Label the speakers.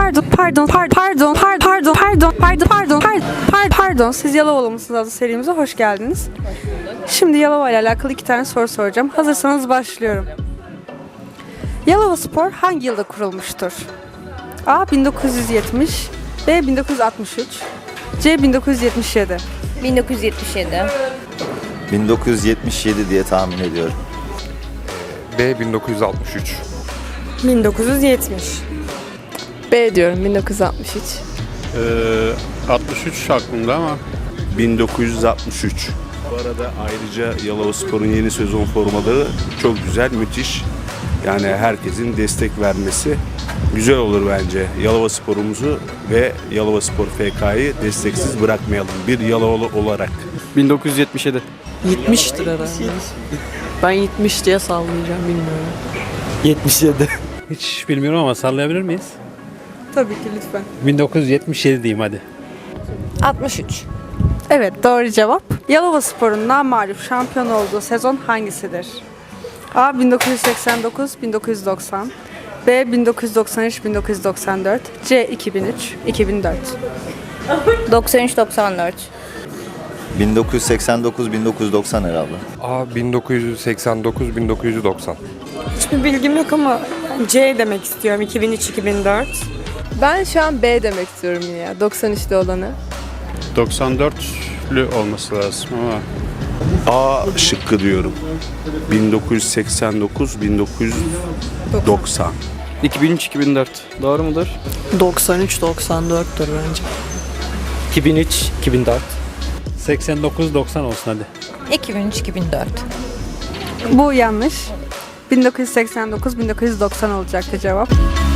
Speaker 1: Pardon. Siz Yalovalı mısınız adlı serimize hoş geldiniz. Şimdi Yalova ile alakalı 2 tane soru soracağım. Hazırsanız başlıyorum. Yalova Spor hangi yılda kurulmuştur? A. 1970, B. 1963, C. 1977.
Speaker 2: 1977.
Speaker 3: 1977 diye tahmin ediyorum.
Speaker 4: B 1963.
Speaker 1: 1970.
Speaker 5: B diyorum 1963.
Speaker 6: 63 aklımda ama
Speaker 7: 1963. Bu arada ayrıca Yalovaspor'un yeni sezon formaları çok güzel, müthiş. Yani herkesin destek vermesi güzel olur bence. Yalovaspor'umuzu ve Yalovaspor FK'yı desteksiz bırakmayalım bir Yalovalı olarak.
Speaker 8: 1977.
Speaker 5: 70'tir herhalde. Ben 70 diye sallayacağım bilmiyorum.
Speaker 8: 77.
Speaker 6: hiç bilmiyorum ama sallayabilir miyiz?
Speaker 1: Tabii ki lütfen.
Speaker 6: 1977 diyeyim hadi.
Speaker 2: 63.
Speaker 1: Evet, doğru cevap. Yalova Spor'un namağlup şampiyon olduğu sezon hangisidir? A. 1989, 1990, B. 1993, 1994, C. 2003, 2004.
Speaker 2: 93-94.
Speaker 3: 1989-1990 herhalde.
Speaker 4: A 1989 1990.
Speaker 9: Hiçbir bilgim yok ama C demek istiyorum. 2003-2004.
Speaker 5: Ben şu an B demek istiyorum yine ya. 93'te olanı.
Speaker 6: 94'lü olması lazım ama
Speaker 7: A şıkkı diyorum. 1989-1990.
Speaker 8: 2003-2004. Doğru mudur?
Speaker 5: 93-94'tür bence.
Speaker 8: 2003-2004.
Speaker 6: 89-90 olsun hadi.
Speaker 2: 2003-2004.
Speaker 1: Bu yanlış. 1989-1990 olacaktı cevap.